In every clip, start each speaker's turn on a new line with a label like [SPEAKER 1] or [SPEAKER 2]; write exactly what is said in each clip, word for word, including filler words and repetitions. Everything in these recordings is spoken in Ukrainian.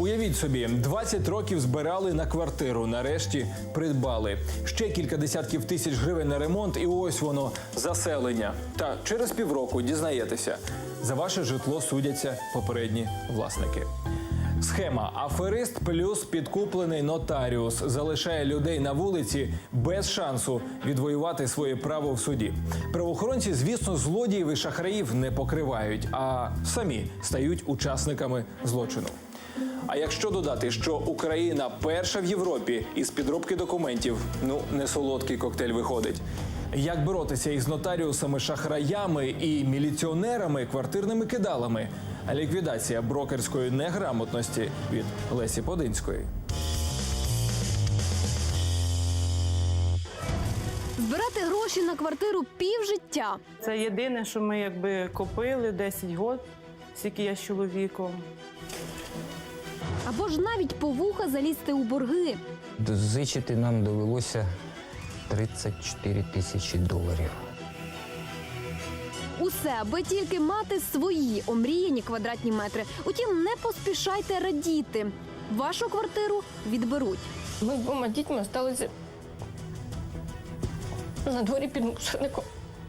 [SPEAKER 1] Уявіть собі, двадцять років збирали на квартиру, нарешті придбали. Ще кілька десятків тисяч гривень на ремонт і ось воно, заселення. Та через півроку дізнаєтеся, за ваше житло судяться попередні власники. Схема «Аферист плюс підкуплений нотаріус» залишає людей на вулиці без шансу відвоювати своє право в суді. Правоохоронці, звісно, злодіїв і шахраїв не покривають, а самі стають учасниками злочину. А якщо додати, що Україна перша в Європі із підробки документів, ну, не солодкий коктейль виходить. Як боротися із нотаріусами, шахраями і міліціонерами, квартирними кидалами? Ліквідація брокерської неграмотності від Лесі Подинської.
[SPEAKER 2] Збирати гроші на квартиру півжиття.
[SPEAKER 3] Це єдине, що ми якби копили десять років, скільки я з чоловіком.
[SPEAKER 2] Або ж навіть по вуха залізти у борги.
[SPEAKER 4] Дозичити нам довелося тридцять чотири тисячі доларів.
[SPEAKER 2] Усе, аби тільки мати свої омріяні квадратні метри. Утім, не поспішайте радіти. Вашу квартиру відберуть.
[SPEAKER 5] Ми з двома дітьми залишилися на дворі під мусорником.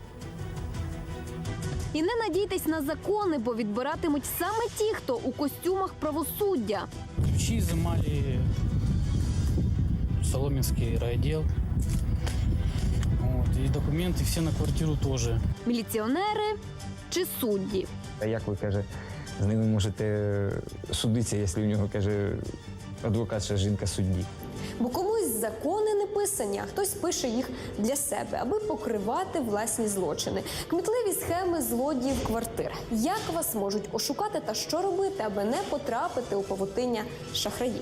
[SPEAKER 2] І не надійтесь на закони, бо відбиратимуть саме ті, хто у костюмах правосуддя.
[SPEAKER 6] Ключи изымали Соломенский райотдел. Вот, и документы все на квартиру тоже.
[SPEAKER 2] Міліціонери чи судді.
[SPEAKER 4] А як ви, каже, з ними можете судитися, якщо у нього, каже, адвокат, що жінка судді?
[SPEAKER 7] Бо комусь закони не писані, а хтось пише їх для себе, аби покривати власні злочини. Кмітливі схеми злодіїв квартир. Як вас можуть ошукати та що робити, аби не потрапити у павутиння шахраїв?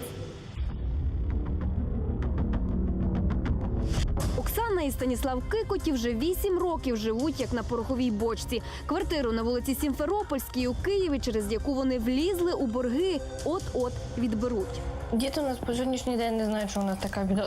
[SPEAKER 2] Оксана і Станіслав Кикоті вже вісім років живуть як на пороховій бочці. Квартиру на вулиці Сімферопольській у Києві, через яку вони влізли у борги, от-от відберуть.
[SPEAKER 5] Діти у нас по сьогоднішній день не знають, що у нас така біда.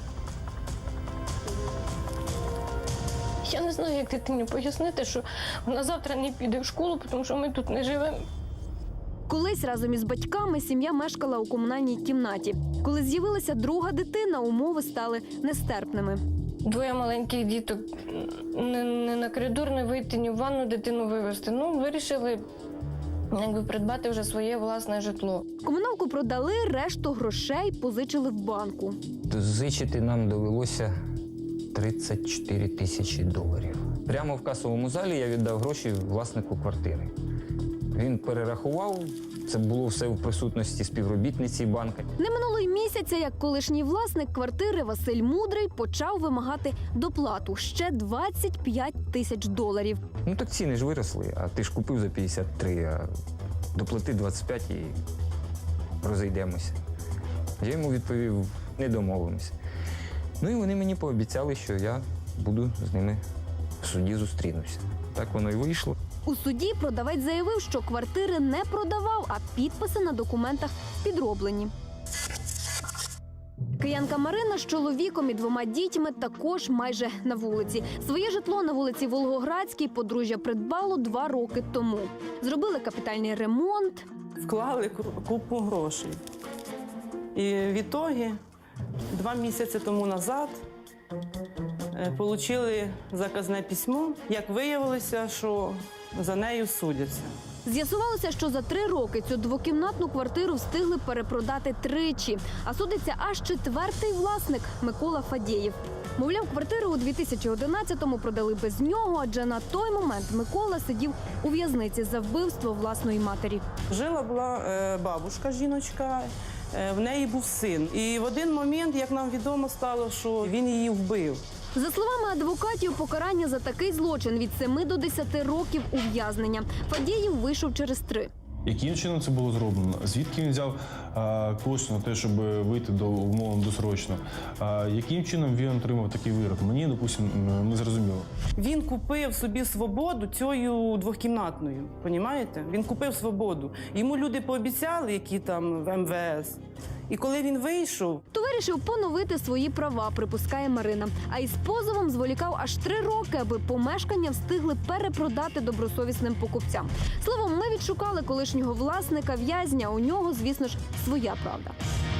[SPEAKER 5] Я не знаю, як дитині пояснити, що вона завтра не піде в школу, тому що ми тут не живемо.
[SPEAKER 2] Колись разом із батьками сім'я мешкала у комунальній кімнаті. Коли з'явилася друга дитина, умови стали нестерпними.
[SPEAKER 5] Двоє маленьких діток, не, не на коридор не вийти, ні в ванну дитину вивезти. Ну, вирішили якби придбати вже своє власне житло.
[SPEAKER 2] Комуналку продали, решту грошей позичили в банку.
[SPEAKER 4] Дозичити нам довелося тридцять чотири тисячі доларів. Прямо в касовому залі я віддав гроші власнику квартири. Він перерахував, це було все в присутності співробітниці банка.
[SPEAKER 2] Не минуло й місяця, як колишній власник квартири Василь Мудрий почав вимагати доплату – ще двадцять п'ять тисяч доларів.
[SPEAKER 4] Ну так ціни ж виросли, а ти ж купив за п'ятдесят три, а доплати двадцять п'ять і розійдемося. Я йому відповів, не домовимося. Ну і вони мені пообіцяли, що я буду з ними в суді зустрінуся. Так воно і вийшло.
[SPEAKER 2] У суді продавець заявив, що квартири не продавав, а підписи на документах підроблені. Киянка Марина з чоловіком і двома дітьми також майже на вулиці. Своє житло на вулиці Волгоградській подружжя придбало два роки тому. Зробили капітальний ремонт.
[SPEAKER 3] Вклали купу грошей. І в ітогі два місяці тому назад отримали заказне письмо. Як виявилося, що за нею судяться.
[SPEAKER 2] З'ясувалося, що за три роки цю двокімнатну квартиру встигли перепродати тричі. А судиться аж четвертий власник Микола Фадєєв. Мовляв, квартиру у дві тисячі одинадцятому продали без нього, адже на той момент Микола сидів у в'язниці за вбивство власної матері.
[SPEAKER 3] Жила була е, бабушка, жіночка, е, в неї був син. І в один момент, як нам відомо стало, що він її вбив.
[SPEAKER 2] За словами адвокатів, покарання за такий злочин від семи до десяти років ув'язнення. Фадєєв вийшов через три.
[SPEAKER 8] Яким чином це було зроблено? Звідки він взяв а, кошти на те, щоб вийти до умовно досрочно? А, яким чином він отримав такий вирок? Мені, допустимо, не зрозуміло.
[SPEAKER 3] Він купив собі свободу цією двохкімнатною, розумієте? Він купив свободу. Йому люди пообіцяли, які там в ем ве ес. І коли він вийшов...
[SPEAKER 2] То вирішив Вирішив поновити свої права, припускає Марина. А із позовом зволікав аж три роки, аби помешкання встигли перепродати добросовісним покупцям. Словом, ми відшукали колишнього власника в'язня. У нього, звісно ж, своя правда.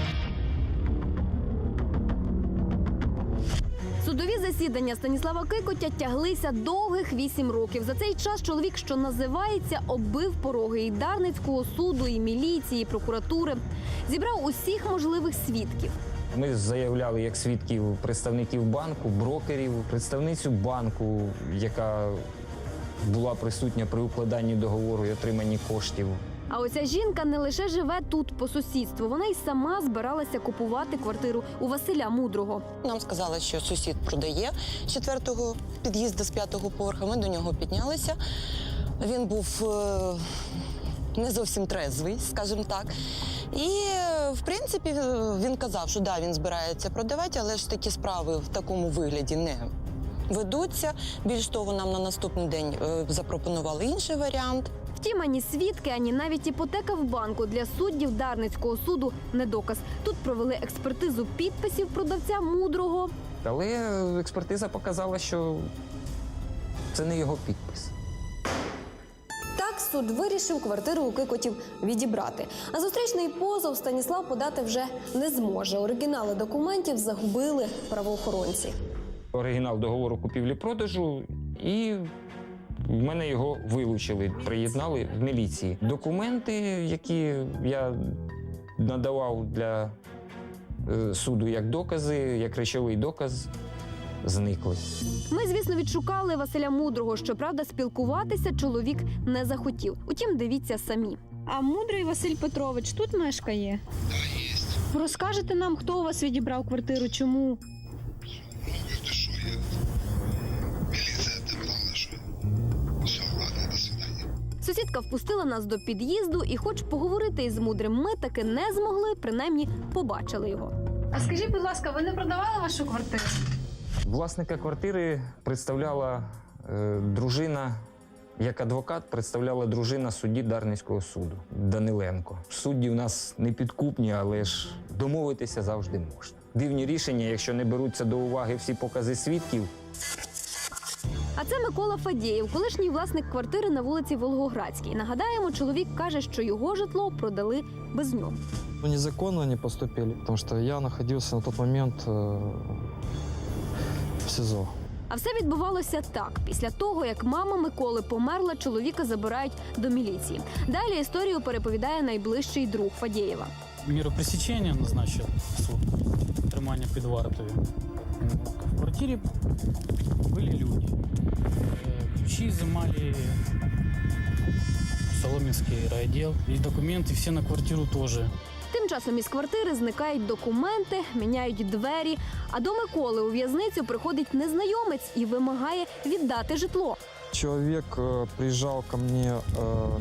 [SPEAKER 2] Судові засідання Станіслава Кикотя тяглися довгих вісім років. За цей час чоловік, що називається, оббив пороги і Дарницького суду, і міліції, і прокуратури. Зібрав усіх можливих свідків.
[SPEAKER 4] Ми заявляли як свідків представників банку, брокерів, представницю банку, яка була присутня при укладанні договору і отриманні коштів.
[SPEAKER 2] А оця жінка не лише живе тут по сусідству, вона й сама збиралася купувати квартиру у Василя Мудрого.
[SPEAKER 9] Нам сказали, що сусід продає з четвертого під'їзду з п'ятого поверху. Ми до нього піднялися. Він був е, не зовсім трезвий, скажімо так. І, в принципі, він казав, що да, він збирається продавати, але ж такі справи в такому вигляді не ведуться. Більш того, нам на наступний день е, запропонували інший варіант.
[SPEAKER 2] Втім, ані свідки, ані навіть іпотека в банку для суддів Дарницького суду не доказ. Тут провели експертизу підписів продавця Мудрого.
[SPEAKER 4] Але експертиза показала, що це не його підпис.
[SPEAKER 7] Так суд вирішив квартиру у Кикотів відібрати. А зустрічний позов Станіслав подати вже не зможе. Оригінали документів загубили правоохоронці.
[SPEAKER 4] Оригінал договору купівлі-продажу, і в мене його вилучили, приєднали в міліції. Документи, які я надавав для е, суду як докази, як речовий доказ, зникли.
[SPEAKER 2] Ми, звісно, відшукали Василя Мудрого. Щоправда, спілкуватися чоловік не захотів. Утім, дивіться самі.
[SPEAKER 10] А Мудрий Василь Петрович тут мешкає?
[SPEAKER 11] Да, есть.
[SPEAKER 10] Розкажете нам, хто у вас відібрав квартиру, чому?
[SPEAKER 11] Ну, ты что, я... Милиция отобрала, что... Все, ладно, до свидания.
[SPEAKER 2] Сусідка впустила нас до під'їзду, і хоч поговорити із Мудрим ми таки не змогли, принаймні побачили його.
[SPEAKER 10] А скажіть, будь ласка, ви не продавали вашу квартиру?
[SPEAKER 4] Власника квартири представляла е, дружина, як адвокат представляла дружина судді Дарницького суду Даниленко. Судді у нас не підкупні, але ж домовитися завжди можна. Дивні рішення, якщо не беруться до уваги всі покази свідків.
[SPEAKER 2] А це Микола Фадєєв, колишній власник квартири на вулиці Волгоградській. Нагадаємо, чоловік каже, що його житло продали без нього.
[SPEAKER 12] Ну, незаконно они поступили, потому что я находился на тот момент э, в СИЗО.
[SPEAKER 2] А все відбувалося так. Після того, як мама Миколи померла, чоловіка забирають до міліції. Далі історію переповідає найближчий друг Фадєєва.
[SPEAKER 6] Міру пресечення назначив суд, тримання під вартою. В квартирі були люди. Е, Ключі изымали Соломенський райвідділ. І документи всі на квартиру теж.
[SPEAKER 2] Тим часом із квартири зникають документи, міняють двері. А до Миколи у в'язницю приходить незнайомець і вимагає віддати житло.
[SPEAKER 12] Человек э, приезжал ко мне э,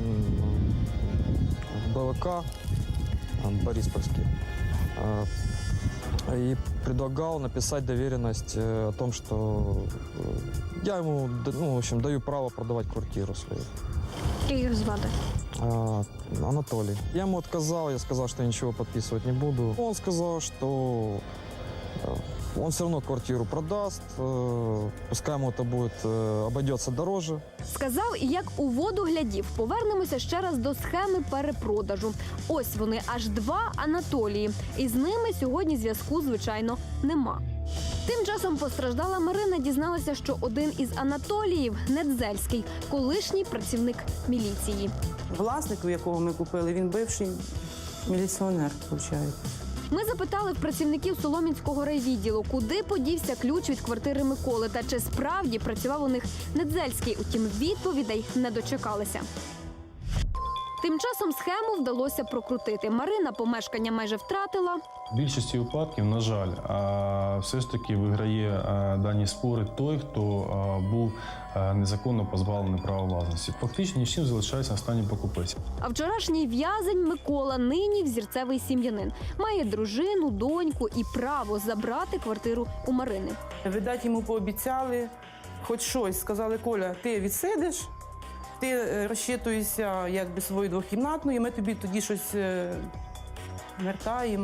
[SPEAKER 12] в БВК, э, Бориспольский, э, и предлагал написать доверенность э, о том, что э, я ему, д- ну, в общем, даю право продавать квартиру свою.
[SPEAKER 10] Як його звати?
[SPEAKER 12] А, Анатолий. Я ему отказал, я сказал, что я ничего подписывать не буду. Он сказал, что э, он все равно квартиру продаст, э, пускай ему это будет, э, обойдется дороже.
[SPEAKER 2] Сказав і як у воду глядів. Повернемося ще раз до схеми перепродажу. Ось вони, аж два Анатолії. І з ними сьогодні зв'язку, звичайно, нема. Тим часом постраждала Марина дізналася, що один із Анатоліїв – Недзельський, колишній працівник міліції.
[SPEAKER 3] Власник, у якого ми купили, він бивший міліціонер, виходить.
[SPEAKER 2] Ми запитали в працівників Солом'янського райвідділу, куди подівся ключ від квартири Миколи та чи справді працював у них Недзельський. Утім, відповідей не дочекалися. Тим часом схему вдалося прокрутити. Марина помешкання майже втратила.
[SPEAKER 8] В більшості випадків, на жаль, а, все ж таки виграє а, дані спори той, хто а, був а, незаконно позбавлений права власності. Фактично нічим залишається останній покупець.
[SPEAKER 2] А вчорашній в'язень Микола нині взірцевий сім'янин. Має дружину, доньку і право забрати квартиру у Марини.
[SPEAKER 3] Видать, йому пообіцяли хоч щось. Сказали: Коля, ти відсидиш, ти е, розчитуєшся якби свою двохкімнатну, і ми тобі тоді щось е, вертаємо.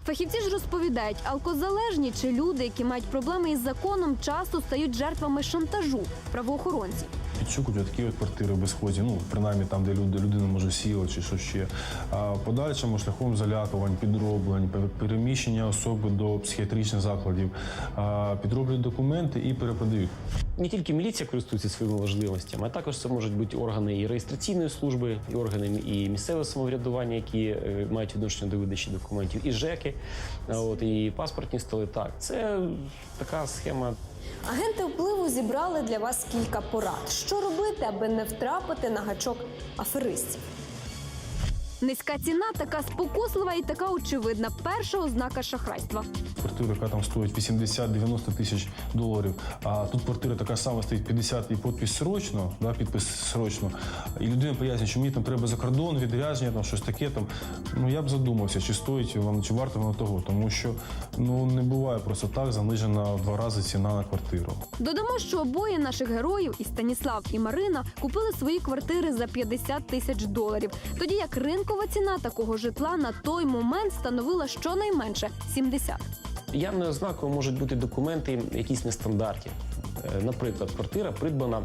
[SPEAKER 2] Фахівці ж розповідають, алкозалежні чи люди, які мають проблеми із законом, часто стають жертвами шантажу правоохоронців.
[SPEAKER 8] Підшукують такі от квартири в безхозі, ну, принаймні там, де люди, людина може сіла чи що ще. А в подальшому шляхом залякувань, підроблень, переміщення особи до психіатричних закладів, а, підроблюють документи і перепродають.
[SPEAKER 13] Не тільки міліція користується своїми можливостями, а також це можуть бути органи і реєстраційної служби, і органи і місцевого самоврядування, які е, мають відношення до видачі документів, і ЖЕКи, а от, і паспортні столи. Так, це така схема.
[SPEAKER 7] Агенти впливу зібрали для вас кілька порад. Що робити, аби не втрапити на гачок аферистів?
[SPEAKER 2] Низька ціна така спокуслива і така очевидна. Перша ознака шахрайства.
[SPEAKER 8] Квартира, яка там стоїть вісімдесят-дев'яносто тисяч доларів, а тут квартира така сама стоїть п'ятдесят і підпис срочно, да, підпис срочно. І людина пояснює, що мені там треба за кордон, відрядження, там щось таке. Там. Ну, я б задумався, чи стоїть воно, чи варто воно того. Тому що ну, не буває просто так занижена в два рази ціна на квартиру.
[SPEAKER 2] Додамо, що обоє наших героїв, і Станіслав, і Марина, купили свої квартири за п'ятдесят тисяч доларів. Тоді як ринкова ціна такого житла на той момент становила щонайменше сімдесят.
[SPEAKER 13] Явною ознакою можуть бути документи якісь нестандартні. Е, Наприклад, квартира придбана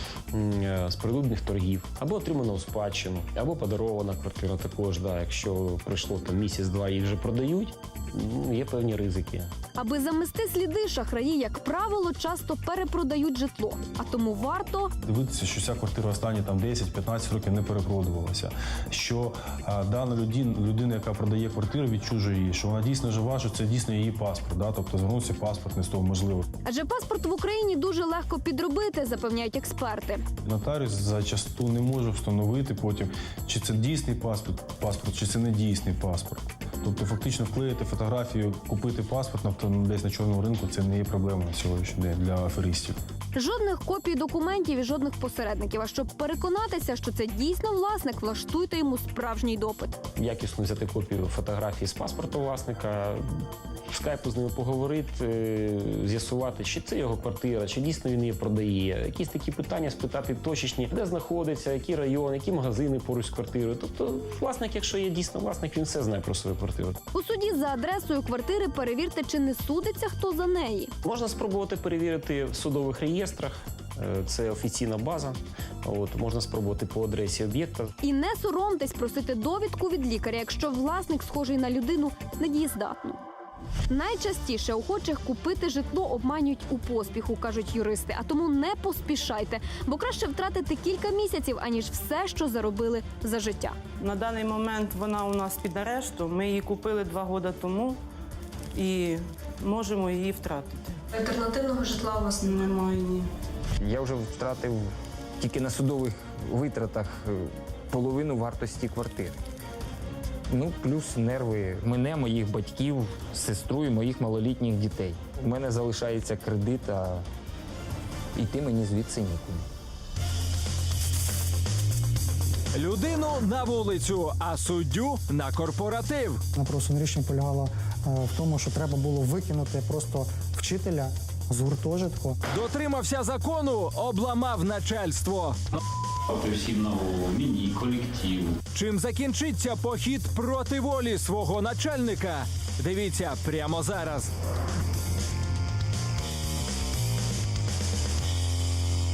[SPEAKER 13] м, е, з прилюдних торгів, або отримана у спадщину, або подарована квартира також. Да, якщо пройшло там місяць-два, їх вже продають, ну, є певні ризики.
[SPEAKER 2] Аби замести сліди, шахраї, як правило, часто перепродають житло. А тому варто
[SPEAKER 8] Дивитися, що ця квартира останні там десять-п'ятнадцять років не перепродувалася. Що а, дана людина, людина, яка продає квартиру, відчужує її, що вона дійсно жива, що це дійсно її паспорт. Да? Тобто звернувся паспорт не з того можливо.
[SPEAKER 2] Адже паспорт в Україні дуже легко підробити, запевняють експерти.
[SPEAKER 8] Нотаріус зачасту не може встановити потім, чи це дійсний паспорт, паспорт, чи це не дійсний паспорт. Тобто фактично вклеїти фотографію, купити паспорт на десь на чорному ринку – це не є проблема на сьогоднішній день для аферистів.
[SPEAKER 2] Жодних копій документів і жодних посередників. А щоб переконатися, що це дійсно власник, влаштуйте йому справжній допит.
[SPEAKER 13] Якісно взяти копію фотографії з паспорту власника, в скайпу з ними поговорити, з'ясувати, чи це його квартира, чи дійсно він її продає. Якісь такі питання спитати точечні, де знаходиться, який район, які магазини поруч з квартирою. Тобто власник, якщо є дійсно власник, він все знає про свою квартиру.
[SPEAKER 2] У суді за адресою квартири перевірте, чи не судиться хто за неї.
[SPEAKER 13] Можна спробувати перевірити в судових реєстрах. Це офіційна база. От, можна спробувати по адресі об'єкта.
[SPEAKER 2] І не соромтесь просити довідку від лікаря, якщо власник схожий на людину недієздатну. Найчастіше охочих купити житло обманюють у поспіху, кажуть юристи. А тому не поспішайте, бо краще втратити кілька місяців, аніж все, що заробили за життя.
[SPEAKER 3] На даний момент вона у нас під арештом. Ми її купили два роки тому і можемо її втратити.
[SPEAKER 10] Альтернативного житла у вас немає?
[SPEAKER 3] Немає ні.
[SPEAKER 4] Я вже втратив тільки на судових витратах е, половину вартості квартири. Ну, плюс нерви мене, моїх батьків, сестру і моїх малолітніх дітей. У мене залишається кредит, а йти мені звідси нікуди.
[SPEAKER 1] Людину на вулицю, а суддю на корпоратив.
[SPEAKER 14] Напросне рішення полягало е, в тому, що треба було викинути просто вчителя з гуртожитку.
[SPEAKER 1] Дотримався закону, обламав начальство.
[SPEAKER 15] Всім на голову, мені, колективу.
[SPEAKER 1] Чим закінчиться похід проти волі свого начальника? Дивіться прямо зараз.